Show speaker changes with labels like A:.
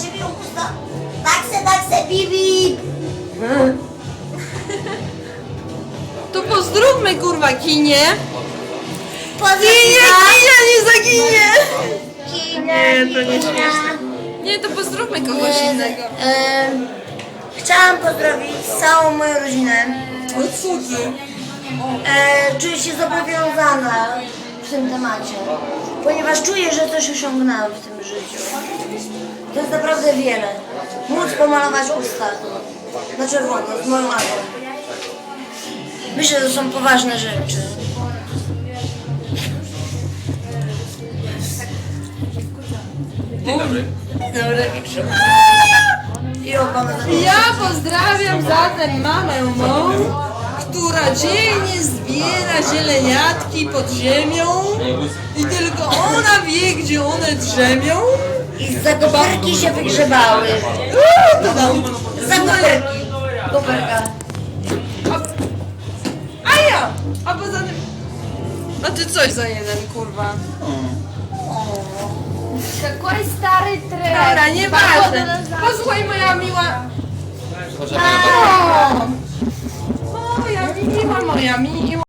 A: ciebie usta. Takse, bibi.
B: To pozdrówmy kurwa kinie.
A: Pozdrowienia.
B: Nie zaginie!
A: Nie,
B: to nie śmieszne. Nie, to pozdrówmy kogoś innego.
A: Chciałam pozdrowić całą moją rodzinę.
B: O co ty?
A: Czuję się zobowiązana w tym temacie, ponieważ czuję, że coś osiągnęłam w tym życiu. To jest naprawdę wiele. Móc pomalować usta na czerwono z moją mamą. Myślę, że to są poważne rzeczy.
C: Dzień dobry.
A: I obama
B: Ja pozdrawiam zatem mamę mą, która dzielnie zbiera zieleniatki pod ziemią i tylko ona wie, gdzie one drzemią.
A: I za koperki się wygrzebały. Za koperki. Koperka.
B: A ja! A poza tym... A ty coś za jeden, kurwa.
D: Какой старый трек.
B: Dobra, nieważne. Posłuchaj, moja miła...
C: Proszę,
B: Moja miła, moja miła.